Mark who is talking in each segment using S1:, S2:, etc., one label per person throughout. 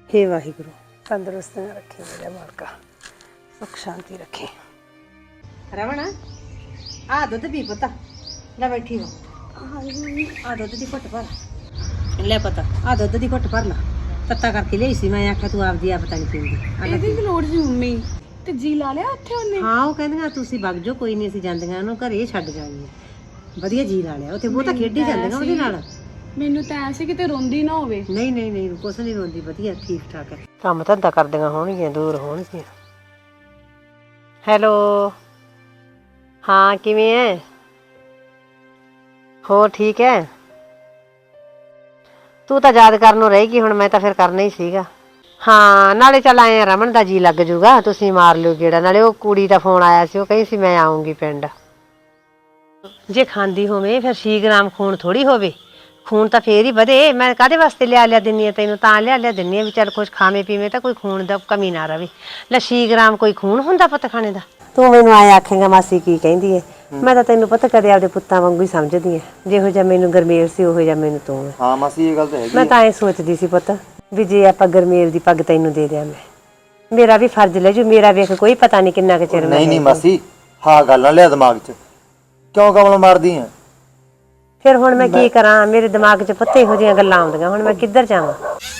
S1: हे वाहिगुरु तंदुरुस्त रखे मेरा मालका सुख शांति रखे। रमण आ दुध पी पुत्ता ले बैठी हो। आ दुध दी घुट भर ले पुत्त आ दुध दी घुट भर ला तत्ता करके लियाई सी मैं आख्या तू आपदी आप पता नहीं पींदी
S2: ਇਹਦੀ ਕੀ ਲੋੜ ਸੀ ਮੰਮੀ ਤੇ ਜੀ ਲਾ ਲਿਆ ਉੱਥੇ ਉਹਨੇ।
S1: हाँ वो कहंदियां तुसी वग जाओ कोई नहीं असीं जांदियां ओनू घरे छड्ड जावांगे वधिया जी ला लिया उत्थे बहुता खेडी जांदियां ਉਹਦੇ ਨਾਲ।
S2: ਮੈਨੂੰ ਤਾਂ ਐ ਸੀ ਕਿਤੇ ਰੋਂਦੀ ਨਾ ਹੋਵੇ।
S1: नहीं नहीं नहीं कुछ नहीं रोंदी वधिया ठीक ठाक है काम धंधा करदियां होणगीਆਂ दूर होणगीਆਂ। ਹੈਲੋ हाँ किवें है ਹੋਰ ਠੀਕ ਹੈ ਤੂੰ ਤਾਂ ਯਾਦ ਕਰਨ ਨੂੰ ਰਹੇਗੀ ਹੁਣ ਮੈਂ ਤਾਂ ਫਿਰ ਕਰਨਾ ਹੀ ਸੀਗਾ। ਹਾਂ ਨਾਲੇ ਚੱਲ ਆਏ ਰਮਨ ਦਾ ਜੀ ਲੱਗ ਜੂਗਾ ਤੁਸੀਂ ਮਾਰ ਲਿਓ ਗੇੜਾ ਨਾਲੇ ਉਹ ਕੁੜੀ ਦਾ ਫੋਨ ਆਇਆ ਸੀ ਉਹ ਕਹੀ ਸੀ ਮੈਂ ਆਉਂਗੀ ਪਿੰਡ। ਜੇ ਖਾਂਦੀ ਹੋਵੇ ਫਿਰ 6 ਗ੍ਰਾਮ ਖੂਨ ਥੋੜੀ ਹੋਵੇ ਖੂਨ ਤਾਂ ਫੇਰ ਹੀ ਵਧੇ ਮੈਂ ਕਾਹਦੇ ਵਾਸਤੇ ਲਿਆ ਦਿੰਨੀ ਆ ਤੈਨੂੰ ਤਾਂ ਲਿਆ ਦਿੰਨੀ ਆ ਵੀ ਚੱਲ ਕੁਛ ਖਾਵੇਂ ਪੀਵੇਂ ਤਾਂ ਕੋਈ ਖੂਨ ਦਾ ਕਮੀ ਨਾ ਰਵੇ। ਲੈ 6 ਗ੍ਰਾਮ ਕੋਈ ਖੂਨ ਹੁੰਦਾ ਪੁੱਤ ਖਾਣੇ ਦਾ ਤੂੰ ਮੈਨੂੰ ਆਏ ਆਖੇਂਗਾ ਮਾਸੀ ਕੀ ਕਹਿੰਦੀ ਏ ਮੈਂ ਤਾਂ ਤੈਨੂੰ ਪਤਾ ਕਦੇ ਆਪਦੇ ਪੁੱਤਾਂ ਵਾਂਗੂ ਹੀ ਸਮਝਦੀ ਆ ਜਿਹੋ ਜਿਹਾ ਮੈਨੂੰ ਗਰਮੇਲ ਸੀ ਉਹੋ ਜਿਹਾ ਮੈਨੂੰ ਤੂੰ ਹੈ।
S3: ਹਾਂ ਮਾਸੀ ਇਹ ਗੱਲ ਤਾਂ ਹੈਗੀ
S1: ਮੈਂ ਤਾਂ ਐ ਸੋਚਦੀ ਸੀ ਪੁੱਤ ਵੀ ਜੇ ਆਪਾਂ ਗਰਮੇਲ ਦੀ ਪੱਗ ਤੈਨੂੰ ਦੇ ਦਿਆਂ ਮੈਂ ਮੇਰਾ ਵੀ ਫਰਜ਼ ਲੈ ਜੂ ਮੇਰਾ ਵੇਖ ਕੋਈ ਪਤਾ ਨਹੀਂ ਕਿੰਨਾ ਕੁ ਚਿਰ ਮੈਂ
S3: ਨਹੀਂ ਮਾਸੀ ਹਾਂ ਗੱਲ ਨਾ ਲਿਆ ਦਿਮਾਗ 'ਚ ਕਿਉਂ ਕਮਲ ਮਾਰਦੀ ਆ।
S1: ਫਿਰ ਹੁਣ ਮੈਂ ਕੀ ਕਰਾਂ ਮੇਰੇ ਦਿਮਾਗ 'ਚ ਪੁੱਤ ਇਹੋ ਜਿਹੀਆਂ ਗੱਲਾਂ ਆਉਂਦੀਆਂ ਹੁਣ ਮੈਂ ਕਿੱਧਰ ਜਾਵਾਂ।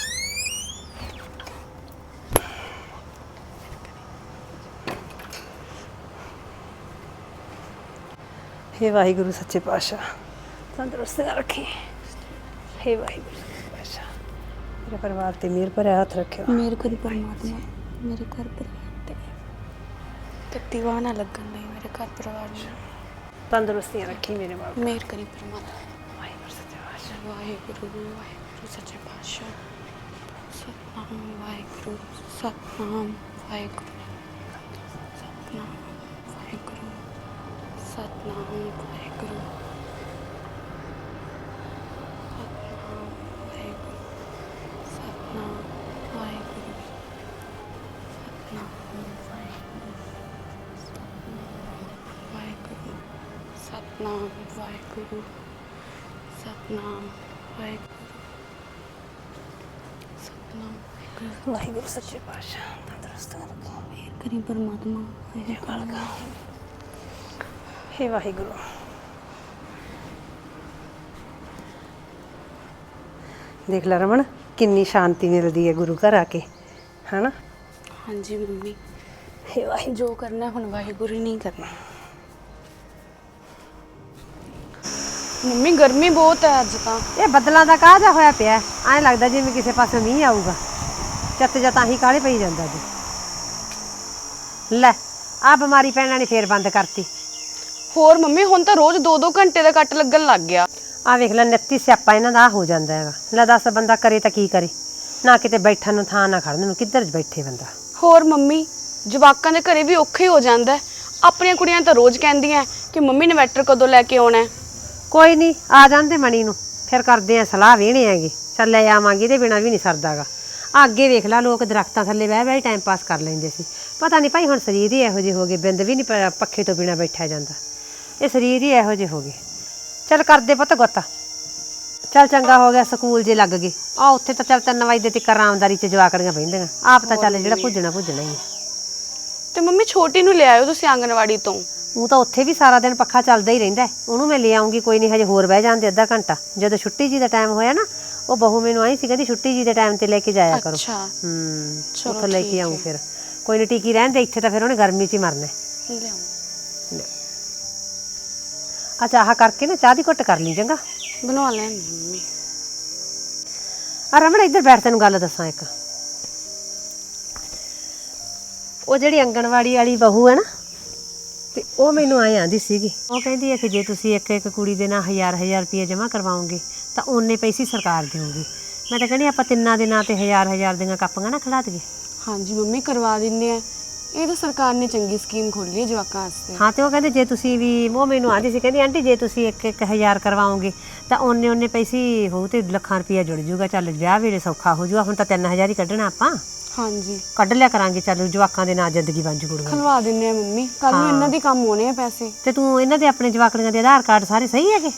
S1: हे वाहिगुरु सच्चे पातशाह तंदुरुस्त रखे। हे वाहिगुरु सच्चे पातशाह मेरे परिवार ते मेरे पर हाथ रखियो।
S2: ਮੇਰੇ ਕੋਲ ਪਰਮਾਤਮਾ ਮੇਰੇ ਘਰ ਪਰਿਵਾਰ ਤੇ ਦੀਵਾਨਾ ਲੱਗਣ ਨਹੀਂ ਮੇਰੇ ਘਰ ਪਰਿਵਾਰ ਨੂੰ
S1: तंदुरुस्ती रखी मेरे बाप
S2: ਮੇਰ ਕਰੀ ਪਰਮਾਤਮਾ। ਵਾਹਿਗੁਰੂ ਸੱਚੇ ਪਾਤਸ਼ਾਹ ਵਾਹਿਗੁਰੂ ਸੱਚੇ ਪਾਤਸ਼ਾਹ ਸਤਨਾਮ ਵਾਹਿਗੁਰੂ ਸਤਨਾਮ ਵਾਹਿਗੁਰੂ ਸਤਨਾਮ ਵਾਹਿਗੁਰੂ ਸਤਨਾਮ ਵਾਹਿਗੁਰੂ ਸਤਨਾਮ ਵਾਹਿਗੁਰੂ ਸਤਨਾਮ ਵਾਹਿਗੁਰੂ ਸਤਨਾਮ ਵਾਹਿਗੁਰੂ ਸਤਨਾਮ ਵਾਹਿਗੁਰੂ
S1: वाहिगुरु सच्चे पातशाह तंदुरुस्त रखो।
S2: ਮੇਰ ਕਰੀ ਪਰਮਾਤਮਾ
S1: हे वाहिगुरु देख ला रमन कितनी शांति मिलती है गुरु घर आके है ना।
S2: ਹਾਂਜੀ ਮੰਮੀ
S1: हे वाहिगुरु
S2: ਜੋ ਕਰਨਾ ਹੁਣ ਵਾਹਿਗੁਰੂ ਹੀ ਨਹੀਂ ਕਰਨਾ। ਮੰਮੀ ਗਰਮੀ ਬਹੁਤ ਹੈ ਅੱਜ ਤਾਂ।
S1: ਇਹ ਬੱਦਲਾਂ ਦਾ ਕਾਹ ਜਾ ਹੋਇਆ ਪਿਆ ਐਂ ਲੱਗਦਾ ਜਿਵੇਂ ਕਿਸੇ ਪਾਸੇ ਮੀਂਹ ਆਊਗਾ ਚੱਤ ਜਾਂ ਤਾਂ ਹੀ ਕਾਹਲੇ ਪਈ ਜਾਂਦਾ ਜੀ। ਲੈ ਆ ਬਿਮਾਰੀ ਪੈਣਾ ਨੇ ਫੇਰ ਬੰਦ ਕਰਤੀ।
S2: ਹੋਰ ਮੰਮੀ ਹੁਣ ਤਾਂ ਰੋਜ਼ 2-2 ਘੰਟੇ ਦਾ ਕੱਟ ਲੱਗਣ ਲੱਗ ਗਿਆ।
S1: ਆ ਵੇਖ ਲੈ 29 ਸਿਆਪਾ ਇਹਨਾਂ ਦਾ ਹੋ ਜਾਂਦਾ ਹੈਗਾ। ਲੈ ਦੱਸ ਬੰਦਾ ਕਰੇ ਤਾਂ ਕੀ ਕਰੇ ਨਾ ਕਿਤੇ ਬੈਠਣ ਨੂੰ ਥਾਂ ਨਾ ਖੜਨ ਨੂੰ ਕਿੱਧਰ ਬੈਠੇ ਬੰਦਾ।
S2: ਹੋਰ ਮੰਮੀ ਜਵਾਕਾਂ ਦੇ ਘਰੇ ਵੀ ਔਖੇ ਹੀ ਹੋ ਜਾਂਦਾ ਹੈ। ਆਪਣੀਆਂ ਕੁੜੀਆਂ ਤਾਂ ਰੋਜ਼ ਕਹਿੰਦੀਆਂ ਕਿ ਮੰਮੀ ਇਨਵੈਟਰ ਕਦੋਂ ਲੈ ਕੇ ਆਉਣਾ ਹੈ।
S1: ਕੋਈ ਨਹੀਂ ਆ ਜਾਂਦੇ ਮਣੀ ਨੂੰ ਫਿਰ ਕਰਦੇ ਆ ਸਲਾਹ ਵੇਹਣੇ ਹੈਗੇ ਚੱਲ ਲੈ ਆਵਾਂਗੇ ਇਹਦੇ ਬਿਨਾਂ ਵੀ ਨਹੀਂ ਸਰਦਾਗਾ। ਅੱਗੇ ਵੇਖ ਲਾ ਲੋਕ ਦਰਖਤਾਂ ਥੱਲੇ ਬਹਿ ਬਹਿ ਟਾਈਮ ਪਾਸ ਕਰ ਲੈਂਦੇ ਸੀ ਪਤਾ ਨਹੀਂ ਭਾਈ ਹੁਣ ਸਰੀਰ ਹੀ ਇਹੋ ਜਿਹੇ ਹੋ ਗਏ ਬਿੰਦ ਵੀ ਨਹੀਂ ਪੱਖੇ ਤੋਂ ਬਿਨਾਂ ਬੈਠਿਆ ਜਾਂਦਾ ਇਹ ਸਰੀਰ ਹੀ ਇਹੋ ਜਿਹੇ ਹੋ ਗਏ। ਚੱਲ ਕਰਦੇ ਪੁੱਤ ਗੁੱਤ ਚੱਲ ਚੰਗਾ ਹੋ ਗਿਆ ਸਕੂਲ ਜੇ ਲੱਗ ਗਏ ਆ ਉੱਥੇ ਤਾਂ ਚੱਲ 3 ਵਜੇ ਤੱਕ ਆਰਾਮਦਾਰੀ 'ਚ ਜਵਾਕੜੀਆਂ ਬਹਿੰਦੀਆਂ ਆਪ ਤਾਂ ਚੱਲ ਜਿਹੜਾ ਭੁੱਜਣਾ ਹੀ ਹੈ।
S2: ਤੇ ਮੰਮੀ ਛੋਟੀ ਨੂੰ ਲੈ ਆਇਓ ਤੁਸੀਂ ਆਂਗਣਵਾੜੀ ਤੋਂ।
S1: ਉਹ ਤਾਂ ਉੱਥੇ ਵੀ ਸਾਰਾ ਦਿਨ ਪੱਖਾ ਚੱਲਦਾ ਹੀ ਰਹਿੰਦਾ ਉਹਨੂੰ ਮੈਂ ਲੈ ਆਉਂਗੀ ਕੋਈ ਨਹੀਂ ਹਜੇ ਹੋਰ ਬਹਿ ਜਾਂਦੇ ਅੱਧਾ ਘੰਟਾ ਜਦੋਂ ਛੁੱਟੀ ਜੀ ਦਾ ਟਾਈਮ ਹੋਇਆ ਨਾ ਉਹ ਬਹੂ ਮੈਨੂੰ ਆਈ ਸੀ ਕਹਿੰਦੀ ਛੁੱਟੀ ਜੀ ਦੇ ਟਾਈਮ ਤੇ ਲੈ ਕੇ ਜਾਇਆ ਕਰੋ।
S2: ਅੱਛਾ
S1: ਉੱਥੋਂ ਲੈ ਕੇ ਆऊँ ਫਿਰ ਕੋਈ ਨਹੀਂ ਟਿਕੀ ਰਹਿਣ ਦੇ ਇੱਥੇ ਤਾਂ ਫਿਰ ਉਹਨੇ ਗਰਮੀ 'ਚ ਹੀ ਮਰਨਾ। ਆ ਚਾਹ ਕਰਕੇ ਨਾ ਚਾਹ ਦੀ ਘੁੱਟ ਕਰ ਲਈ ਚੰਗਾ
S2: ਬਣਾ ਲੈ ਮੰਮੀ।
S1: ਆ ਰਮਣ ਇੱਧਰ ਬੈਠ ਤੈਨੂੰ ਗੱਲ ਦੱਸਾਂ ਇੱਕ ਉਹ ਜਿਹੜੀ ਆਂਗਣਵਾੜੀ ਵਾਲੀ ਬਹੂ ਹੈ ਨਾ ਤੇ ਉਹ ਮੈਨੂੰ ਆਏ ਆਂਦੀ ਸੀਗੀ ਉਹ ਕਹਿੰਦੀ ਹੈ ਕਿ ਜੇ ਤੁਸੀਂ ਇੱਕ ਕੁੜੀ ਦੇ ਨਾਲ 1000 ਰੁਪਏ ਜਮ੍ਹਾਂ ਕਰਵਾਓਗੇ ਤਾਂ ਓਨੇ ਪੈਸੇ ਸਰਕਾਰ ਦੇਊਗੀ। ਮੈਂ ਤਾਂ ਕਹਿੰਦੀ ਆਪਾਂ ਤਿੰਨਾਂ ਦੇ ਨਾਂ ਤੇ 1000 ਦੀਆਂ ਕਾਪੀਆਂ ਨਾ ਖੜਾ ਦਈਏ।
S2: ਹਾਂਜੀ ਮੰਮੀ ਕਰਵਾ ਦਿੰਨੇ ਆ ਇਹ ਤਾਂ ਸਰਕਾਰ ਨੇ ਚੰਗੀ ਸਕੀਮ ਖੋਲੀ ਹੈ ਜਵਾਕਾਂ ਵਾਸਤੇ।
S1: ਹਾਂ ਤੇ ਉਹ ਕਹਿੰਦੇ ਜੇ ਤੁਸੀਂ ਵੀ ਉਹ ਮੈਨੂੰ ਆਂਦੀ ਸੀ ਕਹਿੰਦੀ ਆਂਟੀ ਜੇ ਤੁਸੀਂ ਇੱਕ 1000 ਕਰਵਾਓਗੇ ਤਾਂ ਓਨੇ ਪੈਸੇ ਹੋਊ ਤੇ ਲੱਖਾਂ ਰੁਪਇਆ ਜੁੜ ਜੂਗਾ ਚੱਲ ਵਿਆਹ ਵੇਲੇ ਸੌਖਾ ਹੋ ਜੂਗਾ ਹੁਣ ਤਾਂ 3000 ਹੀ ਕੱਢਣਾ ਆਪਾਂ।
S2: ਹਾਂਜੀ
S1: ਕੱਢ ਲਿਆ ਕਰਾਂਗੇ ਚੱਲ ਜਵਾਕਾਂ ਦੇ ਨਾਲ ਜ਼ਿੰਦਗੀ ਬਣ ਜੂ ਕੁੜੀਆਂ
S2: ਖਲਵਾ ਦਿੰਨੇ ਆ ਮੰਮੀ ਕੱਲ ਨੂੰ ਇਹਨਾਂ ਦੇ ਕੰਮ ਹੋਣੇ ਆ ਪੈਸੇ।
S1: ਤੇ ਤੂੰ ਇਹਨਾਂ ਦੇ ਆਪਣੇ ਜਵਾਕੜੀਆਂ ਦੇ ਆਧਾਰ ਕਾਰਡ ਸਾਰੇ ਸਹੀ ਹੈਗੇ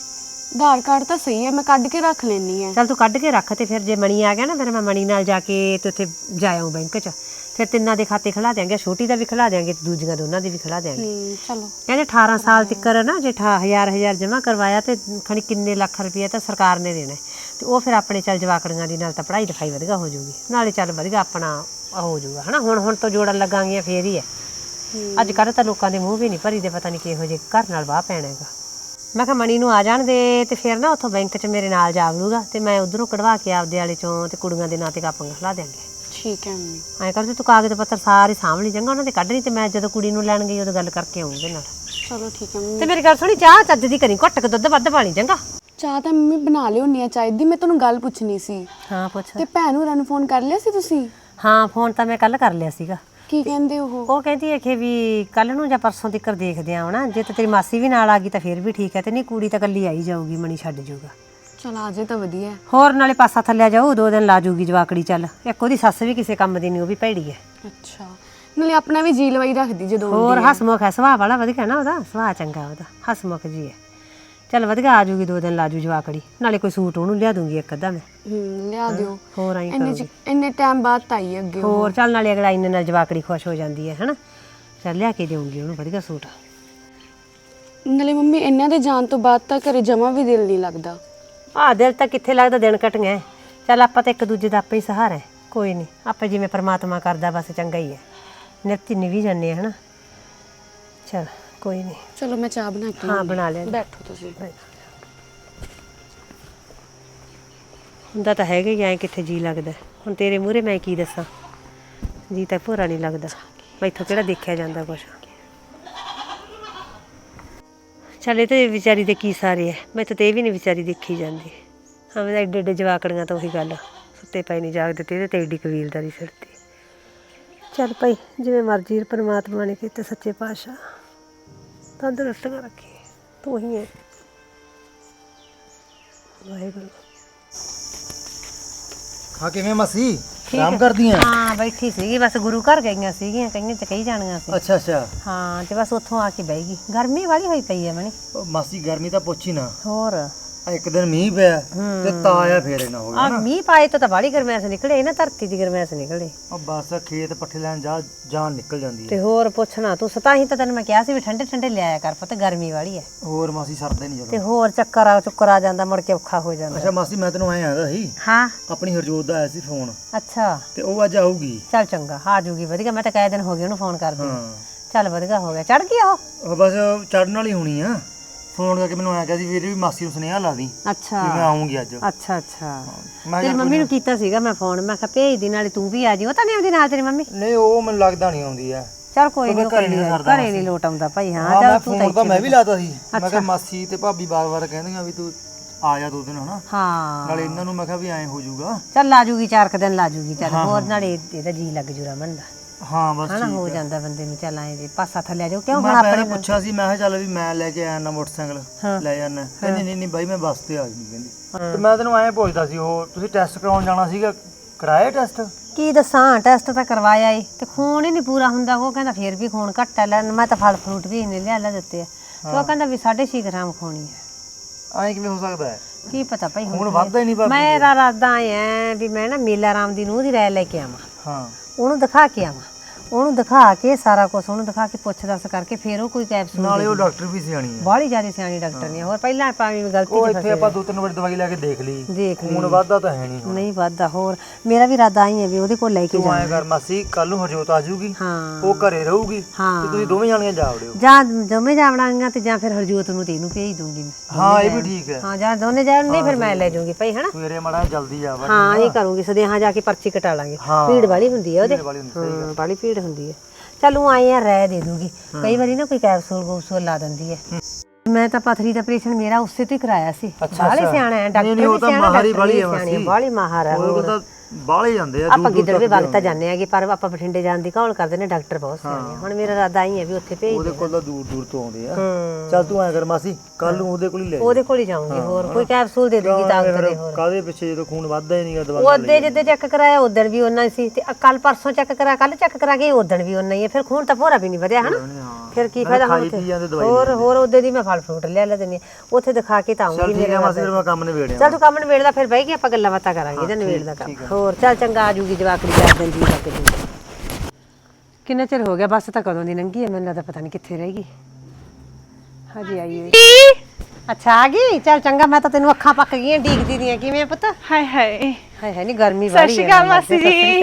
S2: ਆਧਾਰ ਕਾਰਡ ਤਾਂ ਸਹੀ ਹੈ, ਮੈਂ ਕੱਢ ਕੇ ਰੱਖ ਲੈਣੀ ਹੈ।
S1: ਚੱਲ ਤੂੰ ਕੱਢ ਕੇ ਰੱਖ ਤੇ ਫਿਰ ਜੇ ਮਣੀ ਆ ਗਿਆ ਨਾ ਫਿਰ ਮੈਂ ਮਣੀ ਨਾਲ ਜਾ ਕੇ ਤੇ ਉੱਥੇ ਜਾਇਓ ਬੈਂਕ 'ਚ, ਫਿਰ ਤਿੰਨਾਂ ਦੇ ਖਾਤੇ ਖਿਲਾ ਦਿਆਂਗੇ, ਛੋਟੀ ਦਾ ਵੀ ਖਿਲਾ ਦਿਆਂਗੇ ਤੇ ਦੂਜੀਆਂ ਦੋਨਾਂ ਦੇ ਵੀ ਖਿਲਾ ਦਿਆਂਗੇ।
S2: ਚਲੋ
S1: ਕਹਿੰਦੇ 18 ਸਾਲ ਤੱਕਰ ਨਾ ਜੇ 1000 ਜਮ੍ਹਾਂ ਕਰਵਾਇਆ ਤੇ ਖਣੀ ਕਿੰਨੇ ਲੱਖ ਰੁਪਇਆ ਤਾਂ ਸਰਕਾਰ ਨੇ ਦੇਣਾ ਤੇ ਉਹ ਫਿਰ ਆਪਣੇ ਚੱਲ ਜਵਾਕੜੀਆਂ ਦੀ ਨਾਲ ਤਾਂ ਪੜ੍ਹਾਈ ਲਿਖਾਈ ਵਧੀਆ ਹੋ ਜਾਊਗੀ, ਨਾਲੇ ਚੱਲ ਵਧੀਆ ਆਪਣਾ ਹੋ ਜਾਊਗਾ ਹਨਾ। ਹੁਣ ਤੋਂ ਜੋੜਨ ਲੱਗਾਂਗੀਆਂ ਫੇਰ ਹੀ ਹੈ। ਅੱਜ ਕੱਲ੍ਹ ਤਾਂ ਲੋਕਾਂ ਦੇ ਮੂੰਹ ਵੀ ਨਹੀਂ ਭਰੀ ਦੇ, ਪਤਾ ਨਹੀਂ ਕਿਹੋ ਜਿਹੇ ਘਰ ਨਾਲ ਵਾਹ ਪੈਣਾ ਹੈਗਾ। ਮੈਂ ਕਿਹਾ ਮਣੀ ਨੂੰ ਆ ਜਾਣ ਦੇ ਤੇ ਫਿਰ ਨਾ ਉੱਥੋਂ ਬੈਂਕ 'ਚ ਮੇਰੇ ਨਾਲ ਜਾ ਵੜੂਗਾ ਤੇ ਮੈਂ ਉਧਰੋਂ ਕਢਵਾ ਕੇ ਆਪਦੇ ਵਾਲੇ ਚੋਂ ਤੇ ਕੁੜੀਆਂ ਦੇ ਨਾਂ ਤੇ ਕਾਪੀਆਂ ਖਿਲਾ ਦਿਆਂਗੇ।
S2: ਠੀਕ ਹੈ ਮੰਮੀ।
S1: ਐਂ ਕਰਦੇ ਤੂੰ ਕਾਗਜ਼ ਪੱਤਰ ਸਾਰੇ ਸਾਂਭ ਲਈ ਚੰਗਾ, ਉਹਨਾਂ ਦੇ ਕੱਢ ਲਈ ਤੇ ਮੈਂ ਜਦੋਂ ਕੁੜੀ ਨੂੰ ਲੈਣ ਗਈ ਉਦੋਂ ਗੱਲ ਕਰਕੇ ਆਊਂ ਉਹਦੇ ਨਾਲ।
S2: ਚਲੋ ਠੀਕ ਹੈ ਮੰਮੀ।
S1: ਤੇ ਮੇਰੀ ਗੱਲ ਸੁਣੀ, ਚਾਹ ਚੱਜ ਦੀ ਕਰੀ, ਘੁੱਟ ਕੇ ਦੁੱਧ ਵੱਧ ਪਾਣੀ ਚੰਗਾ।
S2: ਚਾਹ ਤਾਂ ਮੰਮੀ ਬਣਾ ਲਿਓਨੀ ਆ ਚਾਹ ਦੀ। ਮੈਂ ਤੁਹਾਨੂੰ ਗੱਲ ਪੁੱਛਣੀ ਸੀ।
S1: ਹਾਂ ਪੁੱਛ।
S2: ਤੇ ਭੈਣ ਹੋਰਾਂ ਨੂੰ ਫੋਨ ਕਰ ਲਿਆ ਸੀ ਤੁਸੀਂ?
S1: ਹਾਂ ਫੋਨ ਤਾਂ ਮੈਂ ਕੱਲ ਕਰ ਲਿਆ ਸੀਗਾ।
S2: ਕੀ ਕਹਿੰਦੇ ਉਹ
S1: ਕਹਿੰਦੀ ਹੈ ਕਿ ਵੀ ਕੱਲ ਨੂੰ ਜਾਂ ਪਰਸੋਂ ਤੱਕ ਦੇਖਦੇ ਆ ਹੁਣ, ਜੇ ਤਾਂ ਤੇਰੀ ਮਾਸੀ ਵੀ ਨਾਲ ਆ ਗਈ ਤਾਂ ਫਿਰ ਵੀ ਠੀਕ ਹੈ, ਤੇ ਨਹੀਂ ਕੁੜੀ ਤਾਂ ਇਕੱਲੀ ਆਈ ਜਾਊਗੀ, ਮਣੀ ਛੱਡ ਜਾਊਗਾ।
S2: ਚਲ ਆ ਜੇ ਤਾਂ ਵਧੀਆ।
S1: ਹੋਰ ਨਾਲੇ ਪਾਸਾ ਥੱਲਿਆ ਜਾਊ, 2 ਦਿਨ ਲਾ ਜੂਗੀ ਜਵਾਕੜੀ। ਚੱਲ ਇੱਕ ਉਹਦੀ ਸੱਸ ਵੀ ਕਿਸੇ ਕੰਮ ਦੀ ਨਹੀਂ, ਉਹ ਵੀ ਭੈੜੀ ਹੈ।
S2: ਅੱਛਾ, ਨਾਲੇ ਆਪਣਾ ਵੀ ਜੀ ਲਵਾਈ ਰੱਖਦੀ ਜਦੋਂ
S1: ਹੋਰ ਹਸਮੁਖ ਹੈ, ਸੁਭਾਅ ਵਾਲਾ ਵਧੀਆ ਨਾ, ਉਹਦਾ ਸੁਭਾਅ ਚੰਗਾ, ਉਹਦਾ ਹਸਮੁਖ ਜੀ ਹੈ। ਚੱਲ ਵਧੀਆ ਆ ਜੂਗੀ, 2 ਦਿਨ ਲਾ ਜੂ ਜਵਾਕੜੀ, ਨਾਲੇ ਕੋਈ ਸੂਟ ਉਹਨੂੰ ਲਿਆ ਦੂੰਗੀ ਇੱਕ ਅੱਧਾ ਮੈਂ।
S2: ਲਿਆ ਦਿਓ।
S1: ਹੋਰ ਆਈ ਕਰੂਗੀ।
S2: ਇੰਨੇ ਟਾਈਮ ਬਾਅਦ ਤਾਂ ਆਈ ਅੱਗੇ।
S1: ਹੋਰ ਚੱਲ ਨਾਲੇ ਅਗਲਾ ਇੰਨੇ ਨਾਲ ਜਵਾਕੜੀ ਖੁਸ਼ ਹੋ ਜਾਂਦੀ ਹੈ ਹਨਾ। ਚੱਲ ਲਿਆ ਕੇ ਦੇਊਂਗੀ ਉਹਨੂੰ ਵਧੀਆ ਸੂਟ।
S2: ਨਾਲੇ ਮੰਮੀ ਇਹਨਾਂ ਦੇ ਜਾਣ ਤੋਂ ਬਾਅਦ ਤਾਂ ਘਰੇ ਜਮਾ ਵੀ ਦਿਲ ਨਹੀਂ ਲੱਗਦਾ।
S1: ਦਿਲ ਤਾਂ ਕਿੱਥੇ ਲੱਗਦਾ, ਦਿਨ ਕੱਟੀਆਂ। ਚੱਲ ਆਪਾਂ ਤਾਂ ਇੱਕ ਦੂਜੇ ਦਾ ਆਪੇ ਹੀ ਸਹਾਰਾ ਹੈ, ਕੋਈ ਨਹੀਂ, ਆਪਾਂ ਜਿਵੇਂ ਪ੍ਰਮਾਤਮਾ ਕਰਦਾ ਬਸ ਚੰਗਾ ਹੀ ਹੈ, ਨਿੱਤ ਨਿਵੀ ਜਾਂਦੇ ਹਨਾ। ਚੱਲ ਕੋਈ ਨਹੀਂ।
S2: ਚਲੋ ਮੈਂ ਚਾਹ ਬਣਾ ਕੇ
S1: ਹਾਂ ਬਣਾ ਲਿਆ।
S2: ਬੈਠੋ ਤੁਸੀਂ।
S1: ਹੁੰਦਾ ਤਾਂ ਹੈਗਾ ਹੀ, ਐਂ ਕਿੱਥੇ ਜੀ ਲੱਗਦਾ। ਹੁਣ ਤੇਰੇ ਮੂਹਰੇ ਮੈਂ ਕੀ ਦੱਸਾਂ, ਜੀ ਤਾਂ ਭੋਰਾ ਨਹੀਂ ਲੱਗਦਾ, ਮੈਥੋਂ ਕਿਹੜਾ ਦੇਖਿਆ ਜਾਂਦਾ ਕੁਛ। ਚੱਲ ਇਹ ਤਾਂ ਵਿਚਾਰੀ ਦੇ ਕੀ ਸਾਰੇ ਹੈ, ਮੈਥੋਂ ਤਾਂ ਇਹ ਵੀ ਨਹੀਂ ਵਿਚਾਰੀ ਦੇਖੀ ਜਾਂਦੀ। ਹਾਂ ਮੈਂ ਐਡੇ ਐਡੇ ਜਵਾਕੜੀਆਂ ਤਾਂ ਉਹੀ ਗੱਲ, ਸੁੱਤੇ ਪਏ ਨਹੀਂ ਜਾਗਦੇ ਤੇ ਇਹਦੇ ਤੇ ਐਡੀ ਕਬੀਲਦਾਰੀ ਸਿਰ ਤੇ। ਚੱਲ ਭਾਈ ਜਿਵੇਂ ਮਰਜ਼ੀ ਪਰਮਾਤਮਾ ਨੇ ਕੀਤੇ, ਸੱਚੇ ਪਾਤਸ਼ਾਹ ਤੰਦਰੁਸਤੀਆਂ ਰੱਖੀ, ਤੂੰ ਹੀ ਹੈ ਵਾਹਿਗੁਰੂ।
S3: ਹਾਂ ਕਿਵੇਂ ਮਾਸੀ, ਆਰਾਮ ਕਰਦੀ ਆ?
S1: ਹਾਂ ਬੈਠੀ ਸੀਗੀ, ਬਸ ਗੁਰੂ ਘਰ ਗਈਆਂ ਸੀਗੀਆਂ, ਕਈਆਂ ਚ ਕਹੀ ਜਾਣੀਆਂ ਸੀ।
S3: ਅੱਛਾ ਅੱਛਾ।
S1: ਹਾਂ ਤੇ ਬਸ ਉੱਥੋਂ ਆ ਕੇ ਬਹਿ ਗਈ, ਗਰਮੀ ਵਾਲੀ ਹੋਈ ਪਈ ਹੈ ਮਣੀ।
S3: ਉਹ ਮਾਸੀ ਗਰਮੀ ਤਾਂ ਪੁੱਛ ਹੀ ਨਾ।
S1: ਹੋਰ
S3: ਇੱਕ ਦਿਨ ਮੀਂਹ ਪਿਆ ਤੇ ਤਾਂ ਆਇਆ ਫੇਰ ਨਾ ਹੋ ਗਿਆ ਨਾ।
S1: ਮੀਂਹ ਪਾਏ ਤਾਂ ਬਾਹਲੀ ਗਰਮੈਸ਼ ਨਿਕਲੇ ਨਾ, ਧਰਤੀ ਦੀ ਗਰਮੈਸ਼ ਨਿਕਲੇ।
S3: ਉਹ ਬਸ ਖੇਤ ਪੱਠੇ ਲੈਣ ਜਾ ਜਾਨ ਨਿਕਲ ਜਾਂਦੀ ਹੈ।
S1: ਤੇ ਹੋਰ ਪੁੱਛਣਾ ਤੂੰ, ਸਤਾ ਹੀ ਤਾਂ ਤੈਨੂੰ ਮੈਂ ਕਿਹਾ ਸੀ ਵੀ ਠੰਡੇ ਠੰਡੇ ਲਿਆਇਆ ਕਰ ਪੁੱਤ, ਗਰਮੀ ਵਾਲੀ ਹੈ।
S3: ਹੋਰ ਮਾਸੀ ਸਰਦਾ ਨਹੀਂ
S1: ਤੇ
S3: ਜਦੋਂ।
S1: ਹੋਰ ਚੱਕਰ ਆ ਜਾਂਦਾ, ਮੁੜ ਕੇ ਔਖਾ ਹੋ ਜਾਂਦਾ।
S3: ਅੱਛਾ ਮਾਸੀ ਮੈਂ ਤੈਨੂੰ ਐਂ ਆਂਦਾ ਸੀ,
S1: ਹਾਂ
S3: ਆਪਣੀ ਹਰਜੋਤ ਦਾ ਆਇਆ ਸੀ ਫੋਨ,
S1: ਅੱਛਾ
S3: ਤੇ ਉਹ ਅੱਜ ਆਊਗੀ।
S1: ਚੱਲ ਚੰਗਾ, ਆ ਜੂਗੀ ਵਧੀਆ। ਮੈਂ ਤਾਂ ਕਈ ਦਿਨ ਹੋ ਗਏ ਉਹਨੂੰ ਫੋਨ ਕਰਦੀ।
S3: ਹਾਂ
S1: ਚੱਲ ਵਧੀਆ ਹੋ ਗਿਆ, ਚੜ ਗਈ ਉਹ।
S3: ਉਹ ਬਸ ਚੜਨ ਵਾਲੀ ਹੋਣੀ ਆ। ਫੋਨ ਕਰਕੇ ਮੈਨੂੰ ਆਇਆ ਸੀ ਵੀਰੇ ਵੀ ਮਾਸੀ ਨੂੰ ਸੁਨੇਹਾ ਲਾ ਦੀ
S1: ਅੱਛਾ
S3: ਵੀ ਮੈਂ ਆਉਂਗੀ ਅੱਜ।
S1: ਅੱਛਾ ਅੱਛਾ।
S3: ਮੈਂ
S1: ਤੇਰੀ ਮੰਮੀ ਨੂੰ ਕੀਤਾ ਸੀਗਾ ਮੈਂ ਫੋਨ, ਮੈਂ ਕਿਹਾ ਭੇਜ ਦੀ, ਨਾਲੇ ਤੂੰ ਵੀ ਆ ਜੀ। ਉਹ ਤਾਂ ਨਹੀਂ ਆਉਂਦੀ ਨਾਲ ਤੇਰੀ ਮੰਮੀ?
S3: ਨਹੀਂ ਉਹ ਮੈਨੂੰ ਲੱਗਦਾ ਨਹੀਂ ਆਉਂਦੀ ਆ।
S1: ਚੱਲ ਕੋਈ ਨਹੀਂ,
S3: ਘਰੇ
S1: ਨਹੀਂ ਲੋਟ ਆਉਂਦਾ ਭਾਈ। ਹਾਂ
S3: ਮੈਂ
S1: ਚੱਲ ਤੂੰ
S3: ਫੋਨ ਤਾਂ ਮੈਂ ਵੀ ਲਾਤਾ ਸੀ, ਮੈਂ ਕਿਹਾ ਮਾਸੀ ਤੇ ਭਾਬੀ ਬਾਰ-ਬਾਰ ਕਹਿੰਦੀਆਂ ਵੀ ਤੂੰ ਆ ਜਾ 2 ਦਿਨ ਹਨਾ।
S1: ਹਾਂ
S3: ਨਾਲੇ ਇਹਨਾਂ ਨੂੰ ਮੈਂ ਕਿਹਾ ਵੀ ਐਂ ਹੋ ਜਾਊਗਾ।
S1: ਚੱਲ ਲਾ ਜੂਗੀ, 4 ਦਿਨ ਲਾ ਜੂਗੀ। ਚੱਲ ਹੋਰ ਨਾਲੇ ਇਹਦਾ ਜੀ ਲੱਗ ਜੂ ਰਮਨ ਦਾ
S3: ਹਾਂ ਬਸ
S1: ਹਨਾ, ਹੋ ਜਾਂਦਾ ਬੰਦੇ ਨੂੰ। ਚੱਲ ਆਏ ਜੇ ਪਾਸਾ ਥੱਲੇ ਜਾਓ, ਕਿਉਂ ਹੁਣ
S3: ਮੈਂ
S1: ਆਪਣੇ
S3: ਪੁੱਛਿਆ ਸੀ, ਮੈਂ ਕਿਹਾ ਚੱਲ ਵੀ ਮੈਂ ਲੈ ਕੇ ਆਇਆ ਨਾ ਮੋਟਰਸਾਈਕਲ ਲੈ ਜਾਣਾ। ਕਹਿੰਦੀ ਨਹੀਂ ਨਹੀਂ ਬਾਈ ਮੈਂ ਬੱਸ ਤੇ ਆ ਜੂਗੀ ਕਹਿੰਦੀ। ਤੇ ਮੈਂ ਤੈਨੂੰ ਐਂ ਪੁੱਛਦਾ ਸੀ, ਉਹ ਤੁਸੀਂ ਟੈਸਟ ਕਰਾਉਣ ਜਾਣਾ ਸੀਗਾ, ਕਰਾਇਆ ਟੈਸਟ?
S1: ਕੀ ਦੱਸਾਂ, ਟੈਸਟ ਤਾਂ ਕਰਵਾਇਆ ਈ ਤੇ ਖੂਨ ਹੀ ਨਹੀਂ ਪੂਰਾ ਹੁੰਦਾ। ਉਹ ਕਹਿੰਦਾ ਫੇਰ ਵੀ ਖੂਨ ਘੱਟ ਹੈ। ਲੈ ਮੈਂ ਤਾਂ ਫਲ ਫਰੂਟ ਵੀ ਇਹਨੇ ਲਿਆ ਦਿੱਤੇ ਆ, ਤੇ ਉਹ ਕਹਿੰਦਾ ਵੀ 6.5 ਗ੍ਰਾਮ ਖੂਨ ਹੈ।
S3: ਐਂ ਕਿਵੇਂ ਹੋ ਸਕਦਾ ਹੈ?
S1: ਕੀ ਪਤਾ ਭਾਈ,
S3: ਹੁਣ ਵੱਧਦਾ ਹੀ ਨਹੀਂ ਬਾਬਾ।
S1: ਮੇਰਾ ਇਰਾਦਾ ਐ ਵੀ ਮੈਂ ਨਾ ਮੇਲਾ ਰਾਮ ਦੀ ਨੂੰਹ ਦੀ ਰਾਇ ਲੈ ਕੇ ਆਵਾਂ,
S3: ਹਾਂ
S1: ਉਹਨੂੰ ਦਿਖਾ ਕੇ ਆਵਾਂ, ਉਹਨੂੰ ਦਿਖਾ ਕੇ ਸਾਰਾ ਕੁਝ ਉਹਨੂੰ ਦਿਖਾ ਕੇ ਪੁੱਛ ਦੱਸ ਕਰਕੇ ਫਿਰ ਉਹ ਕੋਈ ਕੈਪਸੂਲ।
S3: ਨਾਲੇ ਉਹ ਡਾਕਟਰ ਵੀ ਸਿਆਣੀ ਹੈ,
S1: ਬਾਹਲੀ ਜ਼ਿਆਦਾ ਸਿਆਣੀ ਡਾਕਟਰ ਨਹੀਂ। ਹੋਰ ਪਹਿਲਾਂ ਆਪਾਂ ਵੀ ਗਲਤੀ
S3: ਉਹ
S1: ਚ
S3: ਇੱਥੇ ਆਪਾਂ 2-3 ਵਾਰ ਦਵਾਈ ਲੈ ਕੇ ਦੇਖ ਲਈ,
S1: ਦੇਖ
S3: ਹੁਣ ਵੱਧਦਾ ਤਾਂ ਹੈ ਨਹੀਂ।
S1: ਨਹੀਂ ਵੱਧਦਾ। ਹੋਰ ਮੇਰਾ ਵੀ ਇਰਾਦਾ ਹੀ ਹੈ ਵੀ ਉਹਦੇ ਕੋਲ ਲੈ ਕੇ
S3: ਤੂੰ ਐਂ ਕਰ ਮਾਸੀ, ਕੱਲ ਨੂੰ ਹਰਜੋਤ ਆ ਜਾਊਗੀ,
S1: ਹਾਂ
S3: ਉਹ ਘਰੇ ਰਹੂਗੀ
S1: ਹਾਂ।
S3: ਤੇ ਤੁਸੀਂ ਦੋਵੇਂ ਜਾਣੀਆਂ ਜਾ ਵੜਿਓ।
S1: ਜਾਂ ਦੋਵੇਂ ਜਾਵਣਾਂਗੀਆਂ ਤੇ ਜਾਂ ਫਿਰ ਹਰਜੋਤ ਨੂੰ ਤੇ ਇਹਨੂੰ ਭੇਜ ਦੂੰਗੀ ਮੈਂ।
S3: ਹਾਂ ਇਹ ਵੀ ਠੀਕ ਹੈ।
S1: ਹਾਂ ਜਾਂ ਦੋਨੇ ਜਾਣ, ਨਹੀਂ ਫਿਰ ਮੈਂ ਲੈ ਜਾਊਂਗੀ ਭਾਈ ਹਨਾ।
S3: ਸਵੇਰੇ ਮਾੜਾ ਜਲਦੀ ਜਾ ਵੜ।
S1: ਹਾਂ ਇਹ ਕਰੂੰਗੀ, ਸਦੇਹਾਂ ਜਾ ਕੇ ਪਰਚੀ ਕਟਾ ਲਾਂਗੇ। ਭੀੜ ਵਾਲੀ ਹੁੰਦੀ ਹੈ ਉਹਦੇ, ਹਾਂ ਬਾਲੀ ਭੀੜ ਹੁੰਦੀ ਹੈ। ਚੱਲ ਉਹ ਆਏ ਆ ਰਹਿ ਦੇ ਦੂਗੀ, ਕਈ ਵਾਰੀ ਨਾ ਕੋਈ ਕੈਪਸੂਲ ਗੂਸੂਲ ਲਾ ਦਿੰਦੀ ਹੈ। ਮੈਂ ਤਾਂ ਪਥਰੀ ਦਾ ਆਪਰੇਸ਼ਨ ਮੇਰਾ ਉਸੇ ਤੋਂ ਹੀ ਕਰਾਇਆ ਸੀ। ਬਾਹਲੀ ਸਿਆਣਾ ਹੈ ਡਾਕਟਰ, ਵੀ ਸਿਆਣਾ, ਬਾਹਲੀ ਮਾਹਰ ਹੈ।
S3: ਉਹ ਤਾਂ ਬਾਹਲੇ ਜਾਂਦੇ ਆ।
S1: ਆਪਾਂ ਕਿੱਧਰ ਵੀ ਵਗਤਾ ਜਾਂਦੇ ਆਗੇ, ਪਰ ਆਪਾਂ ਬਠਿੰਡੇ ਜਾਣ ਦੀ ਘੋਲ ਕਰਦੇ ਨੇ, ਡਾਕਟਰ ਬਹੁਤ ਸਿਆਣੇ। ਹੁਣ ਮੇਰਾ ਇਰਾਦਾ ਹੀ ਹੈ ਵੀ ਉੱਥੇ ਭੇਜ
S3: ਉਹਦੇ ਕੋਲ ਤਾਂ ਦੂਰ ਦੂਰ ਤੋਂ ਆਉਂਦੇ ਆ। ਚੱਲ ਤੂੰ ਐਂ ਕਰ ਮਾਸੀ, ਕੱਲ ਨੂੰ ਉਹਦੇ ਕੋਲ ਹੀ ਲੈ ਜਾ।
S1: ਉਹਦੇ ਕੋਲ ਹੀ ਜਾਊਂਗੀ, ਹੋਰ ਕੋਈ ਕੈਪਸੂਲ ਦੇ ਦੂੰਗੀ ਤਾਕਤ ਦੇ। ਹੋਰ
S3: ਕਾਹਦੇ ਪਿੱਛੇ, ਜਦੋਂ ਖੂਨ ਵੱਧਦਾ ਹੀ ਨਹੀਂਗਾ ਦਵਾਈ।
S1: ਉਹਦੇ ਜਿੱਦੇ ਚੈੱਕ ਕਰਾਇਆ ਉਦੋਂ ਵੀ ਉਹਨਾਂ ਹੀ ਸੀ, ਤੇ ਕੱਲ ਪਰਸੋਂ ਚੈੱਕ ਕਰਾ, ਕੱਲ ਚੈੱਕ ਕਰਾ ਕੇ ਉਦੋਂ ਵੀ ਉਹਨਾਂ ਹੀ ਹੈ। ਫਿਰ ਖੂਨ ਤਾਂ ਭੋਰਾ ਵੀ ਨਹੀਂ ਵਧਿਆ ਹਨਾ। ਫਿਰ ਕੀ ਫਾਇਦਾ ਹੁਣ
S3: ਖਾਈ
S1: ਉੱਥੇ
S3: ਪੀ ਜਾਂਦੇ ਦਵਾਈ
S1: ਹੋਰ ਉਹਦੇ ਦੀ ਮੈਂ ਫਲ ਫਰੂਟ ਲੈ ਦਿੰਦੀ ਹਾਂ। ਉੱਥੇ ਦਿਖਾ ਕੇ ਤਾਂ
S3: ਚੱਲ
S1: ਆਉਂਗੀ
S3: ਠੀਕ ਹੈ ਮਾਸੀ ਫਿਰ ਮੈਂ ਕੰਮ ਨਿਬੇੜਿਆ
S1: ਚੱਲ ਤੂੰ ਕੰਮ ਨਿਬੇੜਦਾ ਫਿਰ ਬਹਿ ਕੇ ਆਪਾਂ ਗੱਲਾਂ ਬਾਤਾਂ ਕਰਾਂਗੇ ਇਹਦਾ ਨਿਬੇੜ ਦਾ ਕੰਮ ਹੋਰ ਚੱਲ ਚੰਗਾ ਆ ਜੂਗੀ ਜਵਾਕੜੀ 4 ਦਿਨ ਜੀ ਲੱਗ ਜੂਗੀ। ਕਿੰਨਾ ਚਿਰ ਹੋ ਗਿਆ ਬੱਸ ਤਾਂ ਕਦੋਂ ਦੀ ਲੰਘੀ ਹੈ ਮੈਨੂੰ ਲੱਗਦਾ ਪਤਾ ਨਹੀਂ ਕਿੱਥੇ ਰਹਿ ਗਈ ਹਜੇ ਆਈ ਹੋਈ। ਅੱਛਾ ਆ ਗਈ ਚੱਲ ਚੰਗਾ ਮੈਂ ਤਾਂ ਤੈਨੂੰ ਅੱਖਾਂ ਪੱਕ ਗਈਆਂ ਡੀਕਦੀ ਦੀਆਂ ਕਿਵੇਂ ਪੁੱਤ
S2: ਹਾਏ ਹਾਏ
S1: ਹਾਏ ਹਾਏ ਨਹੀਂ ਗਰਮੀ ਵਾਲੀ
S2: ਸਤਿ ਸ਼੍ਰੀ ਅਕਾਲ ਮਾਸੀ ਜੀ।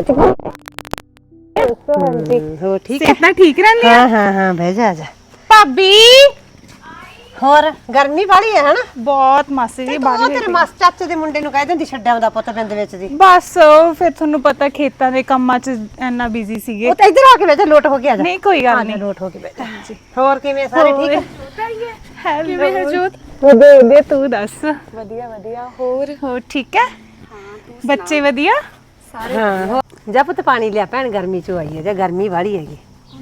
S1: ਹੋ ਠੀਕ
S2: ਸਿਹਤ ਤਾਂ ਠੀਕ ਰਹਿੰਦੀ
S1: ਹਾਂ ਬਹਿ ਜਾ ਜਾ
S2: ਭਾਬੀ
S1: ਹੋਰ ਗਰਮੀ ਵਾਲੀ ਹੈ ਹਨਾ
S2: ਬਹੁਤ ਮਾਸੀ ਜੀ
S1: ਉਹ ਤੇਰੇ ਮਾਸ ਚਾਚੇ ਦੇ ਮੁੰਡੇ ਨੂੰ ਕਹਿ ਦਿੰਦੀ ਛੱਡਿਆ ਉਹਦਾ ਪੁੱਤ ਬਿੰਦ ਵਿੱਚ ਦੀ
S2: ਬਸ ਫਿਰ ਤੁਹਾਨੂੰ ਪਤਾ ਖੇਤਾਂ ਦੇ ਕੰਮਾਂ 'ਚ ਇੰਨਾ ਬਿਜ਼ੀ ਸੀਗੇ।
S1: ਉਹ ਤਾਂ ਇੱਧਰ ਆ ਕੇ ਬਹਿ ਜਾ ਲੋਟ ਹੋ ਕੇ ਆ ਜਾ
S2: ਨਹੀਂ ਕੋਈ ਗੱਲ ਨਹੀਂ
S1: ਲੋਟ ਹੋ ਕੇ ਬਹਿ ਜਾ ਹੋਰ ਕਿਵੇਂ ਸਾਰੇ ਠੀਕ
S2: ਹੈਲੋ ਕਿਵੇਂ ਹੈ ਜੋਤ? ਵਧੀਆ ਤੂੰ ਦੱਸ। ਵਧੀਆ ਹੋਰ ਠੀਕ ਹੈ? ਬੱਚੇ ਵਧੀਆ?
S1: ਹਾਂ ਜਾ ਪੁੱਤ ਪਾਣੀ ਲਿਆ ਭੈਣ ਗਰਮੀ ਚ ਆਈ ਹੈ ਜਾਂ ਗਰਮੀ ਵਾਲੀ ਹੈਗੀ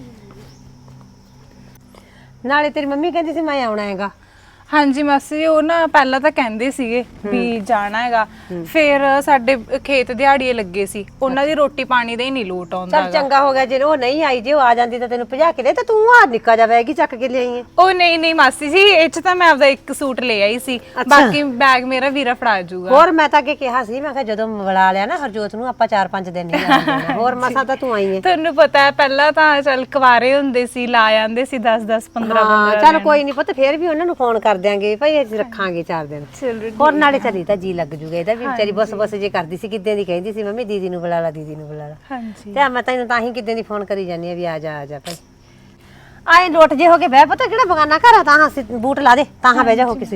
S1: ਨਾਲੇ ਤੇਰੀ ਮੰਮੀ ਕਹਿੰਦੀ ਸੀ ਮੈਂ ਆਉਣਾ ਹੈਗਾ।
S4: ਹਾਂਜੀ ਮਾਸੀ ਜੀ ਉਹ ਨਾ ਪਹਿਲਾਂ ਤਾਂ ਕਹਿੰਦੇ ਸੀਗੇ ਵੀ ਜਾਣਾ ਹੈਗਾ ਫਿਰ ਸਾਡੇ ਖੇਤ ਦਿਹਾੜੀਏ ਲੱਗੇ ਸੀ ਉਹਨਾਂ ਦੀ ਰੋਟੀ ਪਾਣੀ ਦਾ ਹੀ ਨਹੀਂ ਲੋਟ ਆਉਂਦਾ
S1: ਚੱਲ ਚੰਗਾ ਹੋ ਗਿਆ ਜੇ ਉਹ ਨਹੀਂ ਆਈ ਜੇ ਉਹ ਆ ਜਾਂਦੀ ਤਾਂ ਤੈਨੂੰ ਭਜਾ ਕੇ ਲੈ ਤਾਂ ਤੂੰ ਆ ਨਿੱਕਾ ਜਾ ਬੈਗ ਹੀ ਚੱਕ ਕੇ ਲਿਆਈ ਹੈ।
S4: ਉਹ ਨਹੀਂ ਮਾਸੀ ਜੀ ਇਹ ਚ ਤਾਂ ਮੈਂ ਆਪਦਾ ਇੱਕ ਸੂਟ ਲੈ ਆਈ ਸੀ ਬਾਕੀ ਬੈਗ ਮੇਰਾ ਵੀਰਾ ਫੜਾ ਜਾਊਗਾ।
S1: ਹੋਰ ਮੈਂ ਤਾਂ ਅੱਗੇ ਕਿਹਾ ਸੀ ਮੈਂ ਕਿਹਾ ਜਦੋਂ ਬੁਲਾ ਲਿਆ ਨਾ ਹਰਜੋਤ ਨੂੰ ਆਪਾਂ 4-5 ਦਿਨ ਨਹੀਂ ਜਾਣਾ ਹੋਰ ਮਸਾ ਤਾਂ ਤੂੰ ਆਈ ਹੈ।
S4: ਤੁਹਾਨੂੰ ਪਤਾ ਹੈ ਪਹਿਲਾਂ ਤਾਂ ਚੱਲ ਕੁਵਾਰੇ ਹੁੰਦੇ ਸੀ ਲਾ ਜਾਂਦੇ ਸੀ 10-10 15
S1: ਚੱਲ ਕੋਈ ਨਹੀਂ ਪੁੱਤ ਫੇਰ ਵੀ ਉਹਨਾਂ ਨੂੰ ਫੋਨ ਕਰ ਦਿਆਂਗੇ ਭਾਈ ਅਸੀਂ ਰੱਖਾਂਗੇ 4 ਦਿਨ ਹੋਰ ਨਾਲੇ ਚੱਲੀ ਤਾਂ ਜੀ ਲੱਗ ਜੂਗਾ ਇਹਦਾ ਵੀ ਵਿਚਾਰੀ ਬਸ ਜੇ ਕਰਦੀ ਸੀ ਕਿੱਦਾਂ ਦੀ ਕਹਿੰਦੀ ਸੀ ਮੰਮੀ ਦੀਦੀ ਨੂੰ ਬੁਲਾ ਲਾ ਦੀਦੀ ਨੂੰ ਬੁਲਾ ਲਾ
S4: ਹਾਂਜੀ
S1: ਤੇ ਮੈਂ ਤੈਨੂੰ ਤਾਂ ਹੀ ਕਿੱਦਾਂ ਦੀ ਫੋਨ ਕਰੀ ਜਾਂਦੀ ਆ ਵੀ ਆ ਜਾ ਭਾਈ ਆਏ ਲੋਟ ਜੇ ਹੋ ਕੇ ਬਹਿ ਪਤਾ ਕਿਹੜਾ ਬਗਾਨਾ ਘਰ ਆ ਤਾਂ ਹਾਂ ਬੂਟ ਲਾ ਦੇ ਤਾਂ ਹਾਂ ਬਹਿ ਜਾ ਹੋ ਕਿਸੇ